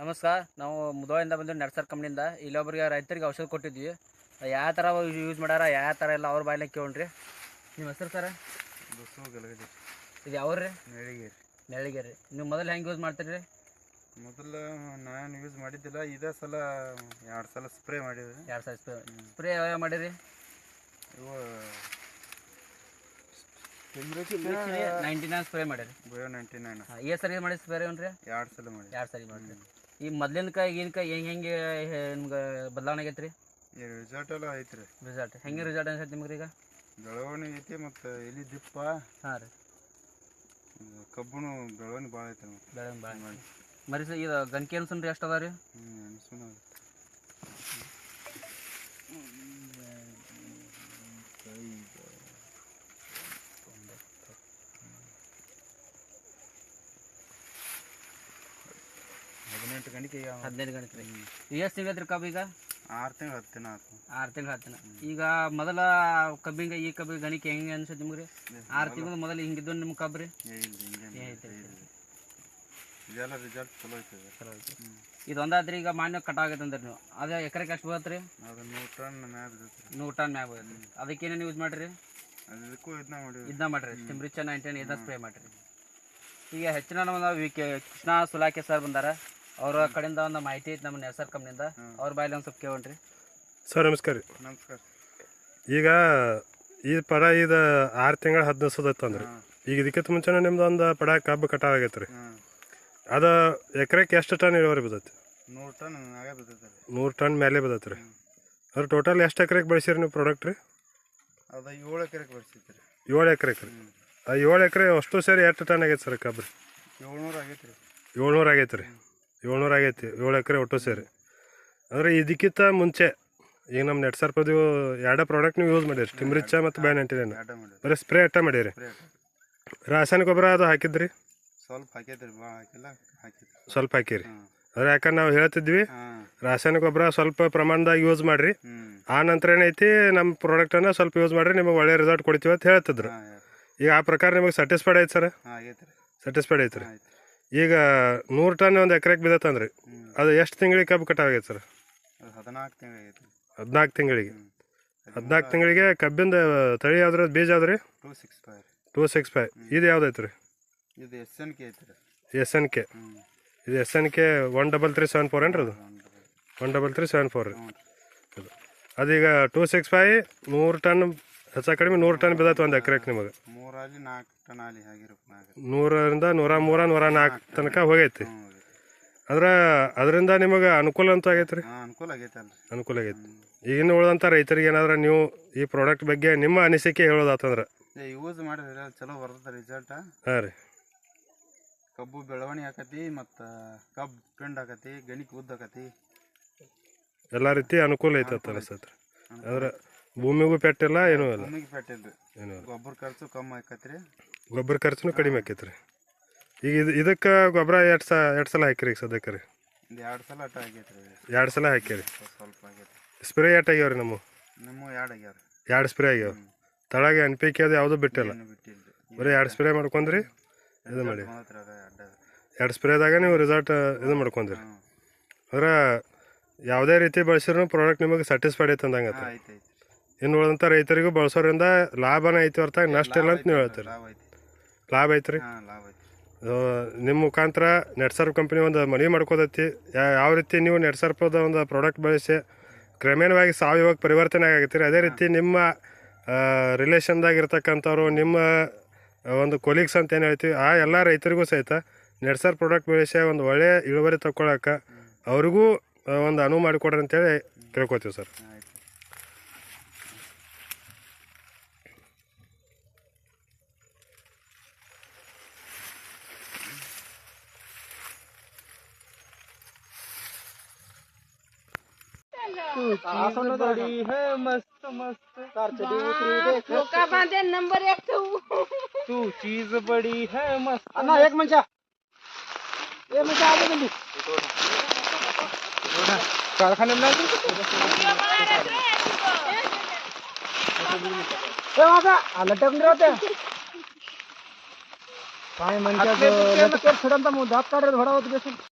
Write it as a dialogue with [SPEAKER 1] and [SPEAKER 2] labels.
[SPEAKER 1] ನಮಸ್ಕಾರ. ನಾವು ಮುಧೋಳಿಂದ ಬಂದು ನರ್ಸರ್ ಕಂಪ್ನಿಯಿಂದ ಇಲ್ಲೊಬ್ಬರಿಗೆ ರೈತರಿಗೆ ಔಷಧ ಕೊಟ್ಟಿದ್ವಿ. ಯಾವ ಥರ ಯೂಸ್ ಮಾಡ್ಯಾರ, ಯಾವ ಥರ ಎಲ್ಲ ಅವ್ರ ಬಾಯಿಲೆ ಕೇಳ್ರಿ. ನಿಮ್ಮ ಹೆಸರು ಸರ? ಇದು ಯಾವ್ರಿ? ನೆಳಿಗೇರಿ. ನೀವು ಮೊದಲು ಹೆಂಗೆ ಯೂಸ್ ಮಾಡ್ತೀರಿ?
[SPEAKER 2] ಮೊದಲು ನಾನು ಯೂಸ್ ಮಾಡಿದ್ದಿಲ್ಲ, ಇದೇ ಸಲ 2 ಸಲ ಸ್ಪ್ರೇ ಮಾಡಿದ್ವಿ.
[SPEAKER 1] 2 ಸಲ ಸ್ಪ್ರೇ ಯಾವ ಮಾಡಿರಿ?
[SPEAKER 2] ಇವು
[SPEAKER 1] 99 ಸ್ಪ್ರೇ ಮಾಡಿರಿ.
[SPEAKER 2] 99.
[SPEAKER 1] ಏ ಸರಿ ಮಾಡಿ ಸ್ಪ್ರೇ ಏನ್ರಿ?
[SPEAKER 2] 2 ಸಲ ಮಾಡಿ.
[SPEAKER 1] 2 ಸರಿ ಮಾಡಿರಿ. ಈ ಮೊದ್ಲಿನ ಈಗಿನ ಹೆಂಗೆ ನಿಮ್ಗೆ ಬದಲಾವಣೆ ಆಗೈತೆ ರೀ?
[SPEAKER 2] ಈ ರಿಸಲ್ಟ್ ಎಲ್ಲ ಐತ್ರಿ.
[SPEAKER 1] ರಿಸಲ್ಟ್ ಹೆಂಗೆ ರಿಸಲ್ಟ್ ಅನ್ಸತ್ತೆ ನಿಮ್ಗೆ ಈಗ?
[SPEAKER 2] ಬೆಳವಣಿಗೆ ಐತಿ, ಮತ್ತು ಎಲಿ ದಿಪ್ಪ.
[SPEAKER 1] ಹಾಂ ರೀ.
[SPEAKER 2] ಕಬ್ಬುನು ಬೆಳವಣಿಗೆ ಭಾಳ ಐತೆ.
[SPEAKER 1] ಬೆಳವಣಿಗೆ ಭಾಳ ಮಾಡಿ ಮರಿ ಸರ್. ಇದು ಗಂಕಿ ಅನ್ಸನ್ ರೀ ಎಷ್ಟು ಅದ ರೀ?
[SPEAKER 2] ಗಂಟೆ
[SPEAKER 1] 15 ಗಂಟೆ ರೀ. ಎಷ್ಟು ಸಿಗತ್ತೆ ರೀ ಕಬ್ಬು ಈಗ?
[SPEAKER 2] 6 ತಿಂಗಳು 10 ದಿನ ಆಯ್ತು.
[SPEAKER 1] 6 ತಿಂಗಳು 10 ದಿನ. ಈಗ ಮೊದಲ ಕಬ್ಬಿಂಗ ಈ ಕಬ್ಬಿಗೆ ಗಣಿಕೆ ಹೆಂಗೆ ಅನ್ಸುತ್ತೆ ನಿಮ್ಗೆ ರೀ? 6 ತಿಂಗಳು ಮೊದಲು ಹಿಂಗಿದ್ದು ನಿಮ್ಮ ಕಬ್ಬು ರೀ?
[SPEAKER 2] ಇದೆಲ್ಲ ರಿಸಲ್ಟ್ ಚಲೋ ಐತೆ.
[SPEAKER 1] ಚಲೋ ಐತೆ. ಇದು ಒಂದಾದ್ರಿ ಈಗ ಮಾನ್ಯ ಕಟಾಗೈತೆ ಅಂದ್ರೆ ನೀವು ಅದೇ ಎಕರೆಗೆ ಎಷ್ಟು ಬರುತ್ತೆ ರೀ?
[SPEAKER 2] ಅದು 100 ಟನ್ ಮ್ಯಾಗ ಬೀಳುತ್ತೆ.
[SPEAKER 1] 100 ಟನ್ ಮ್ಯಾಗ ಬರುತ್ತೆ. ಅದಕ್ಕೆ ಏನೇನು ಯೂಸ್ ಮಾಡಿರಿ?
[SPEAKER 2] ಅದಕ್ಕೂ
[SPEAKER 1] ಇದನ್ನ ಮಾಡಿರಿ. ಸ್ಟಿಮ್ರಿಚ್ 99 ಇದನ್ನ ಸ್ಪ್ರೇ ಮಾಡಿರಿ. ಈಗ ಹೆಚ್ಚಿನ ನಮ್ಮ ಕೃಷ್ಣ ಸುಲಾಕೆ ಸರ್ ಬಂದಾರ, ಅವರ ಕಡೆಯಿಂದ ಒಂದು ಮಾಹಿತಿ ಐತೆ ನಮ್ಮ ನರ್ಸರ್ ಕಂಪ್ನಿಯಿಂದ. ಅವ್ರ ಬಾಯಲ್ಲಿ ಒಂದು ಸ್ವಲ್ಪ ಕೇಳ್ರಿ.
[SPEAKER 3] ಸರ್ ನಮಸ್ಕಾರ ರೀ.
[SPEAKER 2] ನಮಸ್ಕಾರ.
[SPEAKER 3] ಈಗ ಈ ಪಡ ಇದು 6 ತಿಂಗಳು 10 ದಿವಸದೈತೆ ಅಂದ್ರೆ ಈಗ ಇದಕ್ಕಿಂತ ಮುಂಚೆನೇ ನಿಮ್ದು ಒಂದು ಪಡ ಕಬ್ಬು ಕಟಾವ್ ಆಗೈತೆ ರೀ. ಅದು ಎಕರೆಗೆ ಎಷ್ಟು ಟನ್ ಇಳುವರಿ ಬಿದ್ದೈತಿ?
[SPEAKER 2] 100 ಟನ್ ಮ್ಯಾಗ ಬಿದ್ದೈತೆ ರೀ.
[SPEAKER 3] 100 ಟನ್ ಮೇಲೆ ಬಿದ್ದೈತೆ ರೀ. ಅದ್ರ ಟೋಟಲ್ ಎಷ್ಟು ಎಕರೆಗೆ ಬೆಳೆಸಿರಿ ನೀವು ಪ್ರಾಡಕ್ಟ್ ರೀ?
[SPEAKER 2] ಅದು 7 ಎಕರೆಗೆ ಬೆಳೆಸಿದ್ರಿ.
[SPEAKER 3] 7 ಎಕರೆಗೆ ರೀ. ಆ 7 ಎಕರೆ ಅಷ್ಟು ಸೇರಿ ಎಷ್ಟು ಟನ್ ಆಗೈತೆ ಸರ್ ಕಬ್ಬು?
[SPEAKER 2] 700 ಆಗೈತೆ ರೀ.
[SPEAKER 3] 700 ಆಗೈತೆ ರೀ. 700 ಆಗೈತಿ 7 ಎಕರೆ ಒಟ್ಟು ಸೇರಿ. ಅಂದರೆ ಇದಕ್ಕಿಂತ ಮುಂಚೆ ಈಗ ನಮ್ಮ ನೆಟ್ ಸರ್ಪದು 2 ಪ್ರಾಡಕ್ಟ್ ನೀವು ಯೂಸ್ ಮಾಡಿರಿ, ಸ್ಟಿಮ್ರಿಚ್ ಮತ್ತು ಬೈ 99. ಬರೀ ಸ್ಪ್ರೇ ಅಟ್ಟ ಮಾಡಿರಿ. ರಾಸಾಯನಿಕ ಗೊಬ್ಬರ ಅದು ಹಾಕಿದ್ರಿ?
[SPEAKER 2] ಸ್ವಲ್ಪ ಹಾಕೈತ್ರಿ, ಭಾಳ ಹಾಕಿಲ್ಲ, ಹಾಕಿದ್ರಿ.
[SPEAKER 3] ಸ್ವಲ್ಪ ಹಾಕಿರಿ. ಅದ್ರ ಯಾಕಂದ್ರೆ ನಾವು ಹೇಳ್ತಿದ್ವಿ ರಾಸಾಯನಿಕ ಗೊಬ್ಬರ ಸ್ವಲ್ಪ ಪ್ರಮಾಣದಾಗ ಯೂಸ್ ಮಾಡಿರಿ, ಆ ನಂತರ ಏನೈತಿ ನಮ್ಮ ಪ್ರಾಡಕ್ಟನ್ನು ಸ್ವಲ್ಪ ಯೂಸ್ ಮಾಡಿರಿ, ನಿಮಗೆ ಒಳ್ಳೆ ರಿಸಲ್ಟ್ ಕೊಡ್ತೀವಿ ಅಂತ ಹೇಳ್ತಿದ್ರು. ಈಗ ಆ ಪ್ರಕಾರ ನಿಮಗೆ ಸ್ಯಾಟಿಸ್ಫೈಡ್ ಐತೆ ಸರ್? ಸ್ಯಾಟಿಸ್ಫೈಡ್ ಐತೆ ರೀ. ಈಗ 100 ಟನ್ ಒಂದು ಎಕರೆಗೆ ಬಿದ್ದತ್ತಂದ್ರಿ, ಅದು ಎಷ್ಟು ತಿಂಗಳಿಗೆ ಕಬ್ಬು ಕಟಾವಾಗೈತೆ ಸರ್?
[SPEAKER 2] 14 ತಿಂಗಳು ಆಗೈತೆ.
[SPEAKER 3] 14 ತಿಂಗಳಿಗೆ. 14 ತಿಂಗಳಿಗೆ ಕಬ್ಬಿಂದ ತಳಿ ಯಾವ್ದ್ರ ಬೀಜ ಯಾವ್ದು ರೀ?
[SPEAKER 2] 265.
[SPEAKER 3] 265. ಇದು ಯಾವ್ದೈತೆ ರೀ?
[SPEAKER 2] ಇದು SNK ಐತೆ ರೀ.
[SPEAKER 3] SNK. ಇದು SNK 13374 ಏನ್ರಿ? ಅದು 13374 ರೀ. ಅದೀಗ 265 100 ಟನ್ ಹೆಚ್ಚು ಕಡಿಮೆ 100 ಟನ್ ಬಿದ್ದೈತೆ ಒಂದು ಎಕರೆಗೆ ನಿಮಗೆ.
[SPEAKER 2] 3-4 ಟನ್ ಆಲಿ ಆಗಿರುತ್ತೆ.
[SPEAKER 3] 100ರಿಂದ 103 104 ತನಕ ಹೋಗೈತಿ. ಅಂದ್ರೆ ಅದರಿಂದ ನಿಮಗೆ ಅನುಕೂಲ ಅಂತ ಆಗೈತೆ ರೀ?
[SPEAKER 2] ಅನುಕೂಲ ಆಗೈತೆ ಅಲ್ರಿ.
[SPEAKER 3] ಅನುಕೂಲ ಆಗೈತಿ. ಈಗಿನ ಉಳಿದಂಥ ರೈತರಿಗೆ ಏನಾದ್ರೆ ನೀವು ಈ ಪ್ರಾಡಕ್ಟ್ ಬಗ್ಗೆ ನಿಮ್ಮ ಅನಿಸಿಕೆ ಹೇಳೋದಾತಂದ್ರೆ?
[SPEAKER 2] ಯೂಸ್ ಮಾಡಿದ್ರೆ ಚಲೋ ಬರ್ತದೆ ರಿಸಲ್ಟ್.
[SPEAKER 3] ಹಾಂ ರೀ.
[SPEAKER 2] ಕಬ್ಬು ಬೆಳವಣಿಗೆ ಆಕತಿ, ಮತ್ತು ಕಬ್ಬು ಪಿಂಡ್ ಆಕತಿ, ಗಣಿಕೆ ಉದ್ದ ಆಕತಿ,
[SPEAKER 3] ಎಲ್ಲ ರೀತಿ ಅನುಕೂಲ ಐತೆ ಅಂತ ಅನಿಸ್ತೈತೆ. ಅಂದ್ರೆ ಭೂಮಿಗೂ ಪೆಟ್ಟಿಲ್ಲ, ಏನೂ ಇಲ್ಲ.
[SPEAKER 2] ಭೂಮಿಗೆ ಪೆಟ್ಟಿಲ್ಲ. ಗೊಬ್ಬರ ಖರ್ಚು ಕಮ್ಮಿ ಆಕತ್ರಿ.
[SPEAKER 3] ಗೊಬ್ಬರ ಖರ್ಚುನು ಕಡಿಮೆ ಆಕೈತೆ ರೀ. ಈಗ ಇದಕ್ಕೆ ಗೊಬ್ಬರ ಎರಡು ಸಲ ಹಾಕಿರಿ ಈಗ ಸದ್ಯಕ್ಕೆ ರೀ?
[SPEAKER 2] 2 ಸಲ ಅಟ್ಟ ಆಗೈತೆ ರೀ.
[SPEAKER 3] 2 ಸಲ ಹಾಕಿರಿ.
[SPEAKER 2] ಸ್ವಲ್ಪ ಆಗೈತೆ.
[SPEAKER 3] ಸ್ಪ್ರೇ ಎಷ್ಟು ಆಗ್ಯಾವ ರೀ? ನಮ್ಮ
[SPEAKER 2] 2 ಆಗ್ಯಾವ.
[SPEAKER 3] 2 ಸ್ಪ್ರೇ ಆಗ್ಯಾವ. ತಳಗೆ NPK ಅದು ಯಾವುದೂ ಬಿಟ್ಟಿಲ್ಲ, ಬರೀ 2 ಸ್ಪ್ರೇ ಮಾಡ್ಕೊಂಡ್ರಿ. ಇದು ಮಾಡಿ 2 ಸ್ಪ್ರೇದಾಗ ನೀವು ರಿಸಲ್ಟ್ ಇದು ಮಾಡ್ಕೊಂಡ್ರಿ. ಅಂದ್ರೆ ಯಾವುದೇ ರೀತಿ ಬಳಸಿದ್ರು ಪ್ರಾಡಕ್ಟ್ ನಿಮಗೆ ಸ್ಯಾಟಿಸ್ಫೈಡ್ ಐತೆ ಅಂದಂಗೆ. ಇನ್ನು ಉಳಿದಂಥ ರೈತರಿಗೂ ಬಳಸೋದ್ರಿಂದ ಲಾಭನೇ ಐತಿ ಹೊರತಾಗಿ ನಷ್ಟ ಇಲ್ಲ ಅಂತ ನೀವು ಹೇಳ್ತೀರಿ. ಲಾಭ ಐತೆ ರೀ. ನಿಮ್ಮ ಮುಖಾಂತರ ನೆಟ್ ಸರ್ಪ್ ಕಂಪ್ನಿ ಒಂದು ಮನವಿ ಮಾಡ್ಕೋದೈತಿ, ಯಾವ ರೀತಿ ನೀವು ನೆಟ್ ಸರ್ಪದ ಒಂದು ಪ್ರಾಡಕ್ಟ್ ಬಳಸಿ ಕ್ರಮೇಣವಾಗಿ ಸಾವಯವ ಪರಿವರ್ತನೆ ಆಗೈತಿ. ಅದೇ ರೀತಿ ನಿಮ್ಮ ರಿಲೇಷನ್ದಾಗಿರ್ತಕ್ಕಂಥವ್ರು, ನಿಮ್ಮ ಒಂದು ಕೊಲೀಗ್ಸ್ ಅಂತ ಏನು ಹೇಳ್ತೀವಿ, ಆ ಎಲ್ಲ ರೈತರಿಗೂ ಸಹಿತ ನೆಟ್ ಸರ್ಪ್ ಪ್ರಾಡಕ್ಟ್ ಬಳಸಿ ಒಂದು ಒಳ್ಳೆಯ ಇಳುವರಿ ತಗೊಳಕ್ಕೆ ಅವ್ರಿಗೂ ಒಂದು ಅನುವು ಮಾಡಿಕೊಡ್ರಿ ಅಂತೇಳಿ ಕೇಳ್ಕೊತೀವಿ ಸರ್.
[SPEAKER 1] बड़ी है मस्त मस्त
[SPEAKER 4] नंबर 1
[SPEAKER 1] तू चीज बड़ी है मस्त.
[SPEAKER 5] अन्ना एक मंचा आगे जल्दी कारखाने में लटक नहीं रहते काय म्हणतात थोडा दात काढ थोडा होत